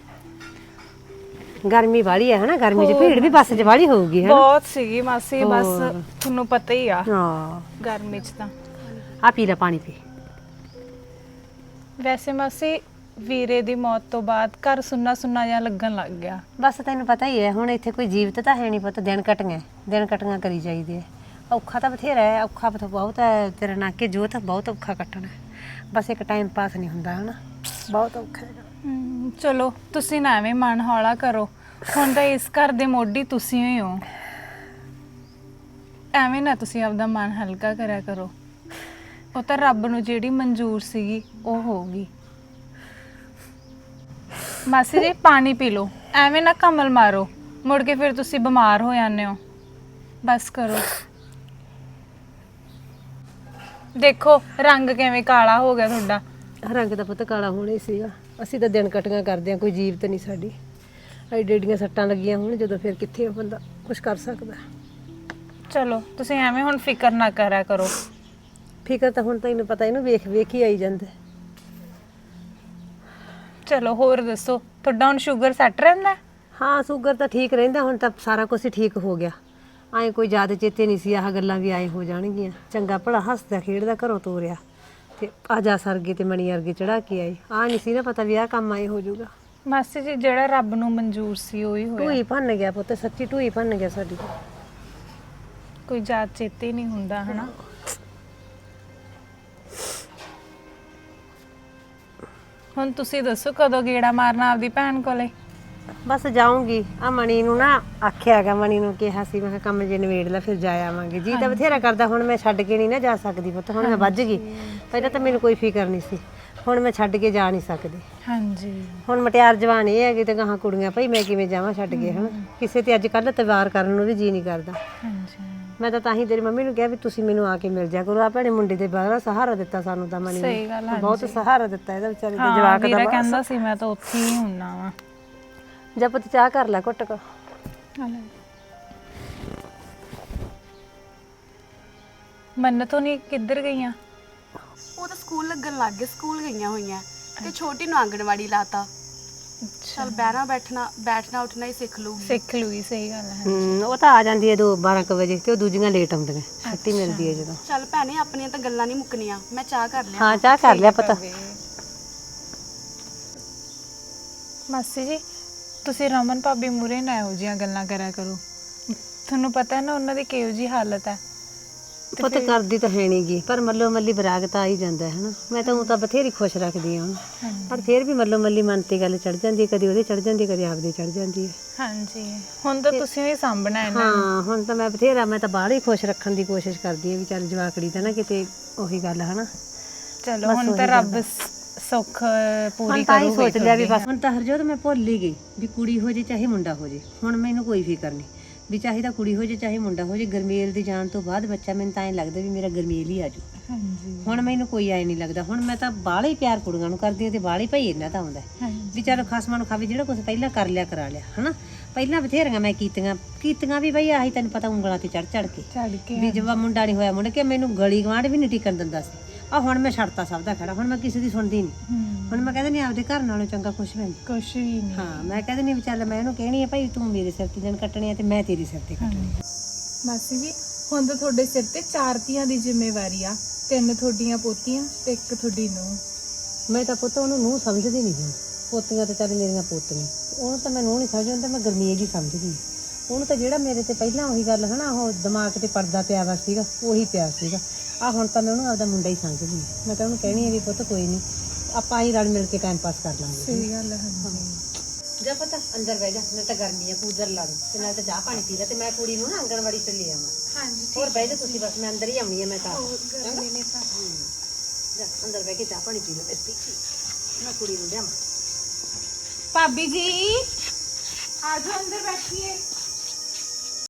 S1: ਗਰਮੀ ਵਾਲੀ ਹੈ ਹਨਾ ਗਰਮੀ 'ਚ ਭੀੜ ਵੀ ਬੱਸ 'ਚ ਵਾਲੀ ਹੋਊਗੀ ਹਨਾ
S4: ਬਹੁਤ ਸੀਗੀ ਮਾਸੀ ਬਸ ਤੁਹਾਨੂੰ ਪਤਾ ਹੀ ਆ
S1: ਹਾਂ
S4: ਗਰਮੀ ਚ ਤਾਂ
S1: ਆ ਪੀ ਲੈ ਪਾਣੀ ਪੀ
S4: ਵੈਸੇ ਮਾਸੀ ਵੀਰੇ ਦੀ ਮੌਤ ਤੋਂ ਬਾਅਦ ਘਰ ਸੁੰਨਾ ਜਿਹਾ ਲੱਗਣ ਲੱਗ ਗਿਆ।
S1: ਬਸ ਤੈਨੂੰ ਪਤਾ ਹੀ ਹੈ ਹੁਣ ਇੱਥੇ ਕੋਈ ਜੀਵਤ ਤਾਂ ਹੈ ਨਹੀਂ ਪੁੱਤ ਦਿਨ ਕਟੀਆਂ ਕਰੀ ਜਾਈਦੇ ਔਖਾ ਤਾਂ ਬਥੇਰਾ ਹੈ ਔਖਾ ਬਹੁਤ ਹੈ ਤੇਰਾ ਨਾਕੇ ਜੋਤ ਬਹੁਤ ਔਖਾ ਕੱਟਣਾ ਬਸ ਇੱਕ ਟਾਈਮ ਪਾਸ ਨਹੀਂ ਹੁੰਦਾ ਹਨਾ ਬਹੁਤ ਔਖਾ ਹੈ।
S4: ਚਲੋ ਤੁਸੀਂ ਨਾ ਐਵੇਂ ਮਨ ਹੌਲਾ ਕਰੋ ਹੁਣ ਤਾਂ ਇਸ ਘਰ ਦੇ ਮੋਢੀ ਤੁਸੀਂ ਹੀ ਹੋ ਐਵੇਂ ਨਾ ਤੁਸੀਂ ਆਪਦਾ ਮਨ ਹਲਕਾ ਕਰਿਆ ਕਰੋ ਉਹ ਤਾਂ ਰੱਬ ਨੂੰ ਜਿਹੜੀ ਮਨਜ਼ੂਰ ਸੀਗੀ ਉਹ ਹੋਊਗੀ। ਮਾਸੀ ਜੀ ਪਾਣੀ ਪੀ ਲਓ ਐਵੇਂ ਨਾ ਕਮਲ ਮਾਰੋ ਮੁੜ ਕੇ ਫਿਰ ਤੁਸੀਂ ਬਿਮਾਰ ਹੋ ਜਾਂਦੇ ਹੋ ਬਸ ਕਰੋ ਦੇਖੋ ਰੰਗ ਕਿਵੇਂ ਕਾਲਾ ਹੋ ਗਿਆ ਤੁਹਾਡਾ।
S1: ਰੰਗ ਦਾ ਪੁੱਤ ਕਾਲਾ ਹੋਣਾ ਹੀ ਸੀਗਾ ਅਸੀਂ ਤਾਂ ਦਿਨ ਕਟੀਆਂ ਕਰਦੇ ਆ ਕੋਈ ਜੀਵਤ ਨਹੀਂ ਸਾਡੀ ਐਡੀਆਂ ਸੱਟਾਂ ਲੱਗੀਆਂ ਹੁਣ ਜਦੋਂ ਫਿਰ ਕਿੱਥੇ ਬੰਦਾ ਕੁਝ ਕਰ ਸਕਦਾ।
S4: ਚਲੋ ਤੁਸੀਂ ਐਵੇਂ ਹੁਣ ਫਿਕਰ ਨਾ ਕਰਿਆ ਕਰੋ
S1: ਫਿਕਰ ਤਾਂ ਹੁਣ ਤੈਨੂੰ ਪਤਾ ਇਹਨੂੰ ਵੇਖ ਹੀ ਆਈ ਜਾਂਦਾ
S4: ਚਲੋ ਹੋਰ ਦੱਸੋ ਤੁਹਾਡਾ ਹੁਣ ਸ਼ੂਗਰ ਸੈੱਟ ਰਹਿੰਦਾ?
S1: ਹਾਂ ਸ਼ੂਗਰ ਤਾਂ ਠੀਕ ਰਹਿੰਦਾ ਹੁਣ ਤਾਂ ਸਾਰਾ ਕੁਝ ਹੀ ਠੀਕ ਹੋ ਗਿਆ ਐਂ ਕੋਈ ਜ਼ਿਆਦਾ ਚੇਤੇ ਨਹੀਂ ਸੀ ਆਹ ਗੱਲਾਂ ਵੀ ਆਏ ਹੋ ਜਾਣਗੀਆਂ ਚੰਗਾ ਭਲਾ ਹੱਸਦਾ ਖੇਡਦਾ ਘਰੋਂ ਤੋਰਿਆ ਤੇ ਆ ਜਾ ਸਰਗੇ ਤੇ ਮਣੀ ਵਰਗੇ ਚੜਾ ਕੇ ਆਏ ਆ ਨਹੀਂ ਸੀ ਨਾ ਪਤਾ ਵੀ ਆਹ ਕੰਮ ਆਏ ਹੋ ਜਾਊਗਾ।
S4: ਮਾਸੀ ਜੀ ਜਿਹੜਾ ਰੱਬ ਨੂੰ ਮਨਜ਼ੂਰ ਸੀ ਉਹੀ ਹੋਇਆ
S1: ਢੂਈ ਭੰਨ ਗਿਆ ਪੁੱਤ ਸੱਚੀ ਢੂਈ ਭੰਨ ਗਿਆ ਸਾਡੀ
S4: ਕੋਈ ਯਾਦ ਚੇਤੇ ਨਹੀਂ ਹੁੰਦਾ ਹਨਾ। ਹੁਣ ਤੁਸੀਂ ਦੱਸੋ ਕਦੋਂ ਗੇੜਾ ਮਾਰਨਾ ਆਪਦੀ ਭੈਣ ਕੋਲੇ?
S1: ਬਸ ਜਾਊਂਗੀ ਆ ਮਣੀ ਨੂੰ ਨਾ ਆਖਿਆ ਹੈਗਾ ਮਣੀ ਨੂੰ ਕਿਹਾ ਸੀ ਮੈਂ ਕਿਹਾ ਕੰਮ ਜੇ ਨਿਬੇੜ ਲੈ ਫਿਰ ਜਾ ਆਵਾਂਗੇ ਜੀ ਤਾਂ ਬਥੇਰਾ ਕਰਦਾ ਹੁਣ ਮੈਂ ਛੱਡ ਕੇ ਨਹੀਂ ਨਾ ਜਾ ਸਕਦੀ ਪੁੱਤ ਹੁਣ ਮੈਂ ਵੱਜ ਗਈ ਪਹਿਲਾਂ ਤਾਂ ਮੈਨੂੰ ਕੋਈ ਫਿਕਰ ਨਹੀਂ ਸੀ ਹੁਣ ਮੈਂ ਛੱਡ ਕੇ ਜਾ ਨਹੀਂ ਸਕਦੀ।
S4: ਹਾਂਜੀ
S1: ਹੁਣ ਮਟਿਆਰ ਜਵਾਨ ਇਹ ਹੈਗੀ ਤੇ ਗਾਹਾਂ ਕੁੜੀਆਂ ਭਾਈ ਮੈਂ ਕਿਵੇਂ ਜਾਵਾਂ ਛੱਡ ਕੇ ਹਨਾ ਕਿਸੇ ਤੇ ਅੱਜ ਕੱਲ੍ਹ ਤਵਾਰ ਕਰਨ ਨੂੰ ਵੀ ਜੀ ਨਹੀਂ ਕਰਦਾ।
S4: ਹਾਂਜੀ
S1: ਮੈਂ ਤਾਂ ਹੀ ਤੇਰੀ ਮੰਮੀ ਨੂੰ ਕਿਹਾ ਵੀ ਤੁਸੀਂ ਮੈਨੂੰ ਆ ਕੇ ਮਿਲ ਜਾ ਕਰੋ ਆ ਭੈਣੇ ਮੁੰਡੇ ਦੇ ਬਾਹਰ ਸਹਾਰਾ ਦਿੱਤਾ ਸਾਨੂੰ ਤਾਂ ਮਣੀ
S4: ਸਹੀ ਗੱਲ
S1: ਨੇ ਬਹੁਤ ਸਹਾਰਾ ਦਿੱਤਾ ਇਹਦਾ ਵਿਚਾਰੇ ਦੇ
S4: ਹਾਂ
S1: ਜਵਾਕ
S4: ਵੀਰਾ
S1: ਦਾ
S4: ਕਹਿੰਦਾ ਸੀ ਮੈਂ ਤਾਂ ਉੱਥੇ ਹੀ ਹੁੰਨਾ ਵਾ।
S1: ਜਾ ਪੁੱਤ ਚਾਹ ਕਰ ਲੈ ਘੁੱਟ ਕੋ
S4: ਮੰਨਤ ਹੋਣੀ ਕਿੱਧਰ ਗਈਆਂ?
S2: ਉਹ ਤਾਂ ਸਕੂਲ ਲੱਗਣ ਲੱਗ ਗਏ ਸਕੂਲ ਗਈਆਂ ਹੋਈਆਂ ਤੇ ਛੋਟੀ ਨੂੰ ਆਂਗਣਵਾੜੀ ਲਾਤਾ ਚਲ ਬੈਠਣਾ ਉੱਠਣਾ ਹੀ ਸਿੱਖ ਲੂਗੀ
S4: ਸਹੀ ਗੱਲ ਹੈ।
S1: ਉਹ ਤਾਂ ਆ ਜਾਂਦੀ ਹੈ 12 ਵਜੇ ਤੇ ਉਹ ਦੂਜੀਆਂ ਲੇਟ ਆਉਂਦੀਆਂ ਛੁੱਟੀ ਮਿਲਦੀ ਹੈ ਜਦੋਂ।
S2: ਚਲ ਭੈਣੇ ਆਪਣੀਆਂ ਤਾਂ ਗੱਲਾਂ ਨਹੀਂ ਮੁੱਕਣੀਆਂ ਮੈਂ ਚਾਹ ਕਰ ਲਿਆ।
S1: ਹਾਂ ਚਾਹ ਕਰ ਲਿਆ ਪਤਾ।
S4: ਮਾਸੀ ਜੀ ਤੁਸੀਂ ਰਮਨ ਭਾਬੀ ਮੂਰੇ ਨਾ ਇਹੋ ਜਿਹੀਆਂ ਗੱਲਾਂ ਕਰਿਆ ਕਰੋ ਤੁਹਾਨੂੰ ਪਤਾ ਹੈ ਨਾ ਉਹਨਾਂ ਦੀ ਕਿਹੋ ਜਿਹੀ ਹਾਲਤ ਹੈ।
S1: ਪੁੱਤ ਕਰਦੀ ਤਾਂ ਹੈ ਨਹੀਂਗੀ ਪਰ ਮੱਲੋ ਮੱਲੀ ਬਰਾਗ ਤਾਂ ਆ ਹੀ ਜਾਂਦਾ ਹੈ ਨਾ ਮੈਂ ਤਾਂ ਉਹ ਤਾਂ ਬਥੇਰੀ ਖੁਸ਼ ਰੱਖਦੀ ਹਾਂ ਪਰ ਫਿਰ ਵੀ ਮੱਲੋ ਮੱਲੀ ਮਨ ਤੇ ਗੱਲ ਚੜ ਜਾਂਦੀ ਹੈ ਕਦੀ ਉਹਦੇ ਚੜ ਜਾਂਦੀ ਹੈ ਕਦੀ ਆਪਦੇ ਚੜ ਜਾਂਦੀ ਹੈ।
S4: ਹਾਂਜੀ ਹੁਣ ਤਾਂ ਤੁਸੀਂ ਹੀ ਸਾਂਭਣਾ ਹੈ ਨਾ।
S1: ਹਾਂ ਹੁਣ ਤਾਂ ਮੈਂ ਤਾਂ ਬਾਹਰ ਹੀ ਖੁਸ਼ ਰੱਖਣ ਦੀ ਕੋਸ਼ਿਸ਼ ਕਰਦੀ ਹਾਂ ਵੀ ਚੱਲ ਜਵਾਕੜੀ ਤਾਂ ਨਾ ਕਿਤੇ ਉਹੀ ਗੱਲ ਹਨਾ
S4: ਚਲੋ ਹੁਣ ਤਾਂ ਰੱਬ ਸੁੱਖ ਪੂਰੀ
S1: ਹੁਣ ਤਾਂ ਹੀ
S4: ਕਰੂਗਾ
S1: ਸੋਚ ਲਿਆ ਵੀ ਬਸ ਹੁਣ ਤਾਂ ਹਰਜੋਤ ਮੈਂ ਭੁੱਲ ਹੀ ਗਈ ਵੀ ਕੁੜੀ ਹੋ ਜੇ ਚਾਹੇ ਮੁੰਡਾ ਹੋ ਜੇ। ਹੁਣ ਮੈਨੂੰ ਕੋਈ ਫਿਕਰ ਨਹੀਂ ਵੀ ਚਾਹੇ ਤਾਂ ਕੁੜੀ ਹੋ ਜੇ ਚਾਹੇ ਮੁੰਡਾ ਹੋ ਜੇ। ਗਰਮੇਲ ਦੀ ਜਾਣ ਤੋਂ ਬਾਅਦ ਬੱਚਾ ਮੈਨੂੰ ਤਾਂ ਐਂ ਲੱਗਦਾ ਵੀ ਮੇਰਾ ਗਰਮੇਲ ਹੀ ਆਜੂ।
S4: ਹਾਂਜੀ
S1: ਹੁਣ ਮੈਨੂੰ ਕੋਈ ਐ ਨਹੀਂ ਲੱਗਦਾ। ਹੁਣ ਮੈਂ ਤਾਂ ਬਾਹਲੇ ਹੀ ਪਿਆਰ ਕੁੜੀਆਂ ਨੂੰ ਕਰਦੀ ਹਾਂ ਤੇ ਬਾਹਲੇ ਭਾਈ ਇਹਨਾਂ ਦਾ ਆਉਂਦਾ ਵੀ ਚੱਲ ਖਸਮਾਂ ਨੂੰ ਖਾਵੇ ਜਿਹੜਾ ਕੁਝ ਪਹਿਲਾਂ ਕਰ ਲਿਆ ਕਰਾ ਲਿਆ ਹਨਾ। ਪਹਿਲਾਂ ਬਥੇਰੀਆਂ ਮੈਂ ਕੀਤੀਆਂ ਵੀ ਬਈ ਆਹੀ ਤੈਨੂੰ ਪਤਾ ਉਂਗਲਾਂ ਤੇ ਚੜ ਕੇ ਵੀ ਜਵਾ ਮੁੰਡਾ ਨਹੀਂ ਹੋਇਆ ਮੁੰਡਾ ਕਿ ਮੈਨੂੰ ਗਲੀ ਗਵਾਂਢ ਵੀ ਨਹੀਂ ਟਿਕਣ ਦਿੰਦਾ ਸੀ। ਆ ਹੁਣ ਮੈਂ ਛੱਡਤਾ ਸਭ ਦਾ ਖੜਾ। ਹੁਣ ਮੈਂ ਕਿਸੇ ਦੀ ਸੁਣਦੀ ਨਹੀਂ। ਹੁਣ ਮੈਂ ਕਹਿੰਦੀ ਨਹੀਂ ਆਪਦੇ ਘਰ ਨਾਲੋਂ ਚੰਗਾ ਕੁਛ ਵੀ ਨਹੀਂ।
S4: ਕੁਛ ਵੀ ਨਹੀਂ।
S1: ਹਾਂ ਮੈਂ ਕਹਿੰਦੀ ਨਹੀਂ ਵੀ ਚੱਲ ਮੈਂ ਇਹਨੂੰ ਕਹਿਣੀ ਆ ਭਾਈ ਤੂੰ ਮੇਰੇ ਸਿਰ ਤੇ ਦਿਨ ਕੱਟਣੇ ਆ ਤੇ ਮੈਂ ਤੇਰੇ ਸਿਰ ਤੇ ਕੱਟਣੇ ਆ।
S4: ਮਾਸੀ ਜੀ ਹੁਣ ਤਾਂ ਤੁਹਾਡੇ ਸਿਰ ਤੇ 4 ਧੀਆਂ ਦੀ ਜ਼ਿੰਮੇਵਾਰੀ ਆ। 3 ਤੁਹਾਡੀਆਂ ਪੋਤੀਆਂ ਤੇ 1 ਤੁਹਾਡੀ ਨੂੰਹ।
S1: ਮੈਂ ਤਾਂ ਪੁੱਤ ਉਹਨੂੰ ਨੂੰਹ ਸਮਝਦੀ ਨਹੀਂ ਹੁਣ। ਪੋਤੀਆਂ ਤੇ ਚੱਲ ਮੇਰੀਆਂ ਪੋਤੀਆਂ ਉਹਨੂੰ ਤਾਂ ਮੈਂ ਨੂੰਹ ਨਹੀਂ ਸਮਝਦੀ। ਤਾਂ ਮੈਂ ਗਰਮੇਜ ਹੀ ਸਮਝਦੀ। ਉਹਨੂੰ ਤਾਂ ਜਿਹੜਾ ਮੇਰੇ ਤੇ ਪਹਿਲਾਂ ਉਹੀ ਗੱਲ ਹਨਾ ਉਹ ਦਿਮਾਗ ਤੇ ਪਰਦਾ ਪਿਆ ਵਾ ਸੀਗਾ ਉਹੀ ਪਿਆ ਸੀਗਾ। ਆ ਹੁਣ ਤਾਂ ਮੈਂ ਉਹਨੂੰ ਆਪਦਾ ਮੁੰਡਾ ਹੀ ਸਮਝਦੀ। ਮੈਂ ਤਾਂ ਉਹਨੂੰ ਕਹਿਣੀ ਆ ਵੀ ਪੁੱਤ ਕੋਈ ਨਹੀਂ ਆਪਾਂ ਹੀ ਰਲ ਮਿਲ ਕੇ ਟਾਈਮ ਪਾਸ ਕਰ ਲਾਂਗੇ।
S4: ਸਹੀ ਗੱਲ ਹੈ।
S1: ਜਾ ਪਤਾ ਅੰਦਰ ਬਹਿ ਜਾ। ਮੈਂ ਤਾਂ ਗਰਮੀ ਆ ਕੂਲਰ ਲਾ ਦੂੰ ਤੇ ਨਾਲ ਤਾਂ ਚਾਹ ਪਾਣੀ ਪੀ ਲੈ ਤੇ ਮੈਂ ਕੁੜੀ ਨੂੰ ਨਾ ਆਂਗਣਵਾੜੀ ਤੇ ਲੈ ਆਵਾਂ।
S4: ਹਾਂਜੀ
S1: ਹੋਰ ਬਹਿ ਜਾ ਤੁਸੀਂ ਬਸ ਮੈਂ ਅੰਦਰ ਹੀ ਆਉਣੀ ਆ। ਮੈਂ ਤਾਂ
S4: ਗਰਮੀ ਨੇ ਤਾਂ
S1: ਜਾ ਅੰਦਰ ਬਹਿ ਕੇ ਚਾਹ ਪਾਣੀ ਪੀ ਲੈ ਬਸ ਮੈਂ ਕੁੜੀ ਨੂੰ ਲਿਆਵਾਂ।
S4: ਭਾਬੀ ਜੀ ਆ ਜਾਓ ਅੰਦਰ ਬੈਠੀਏ।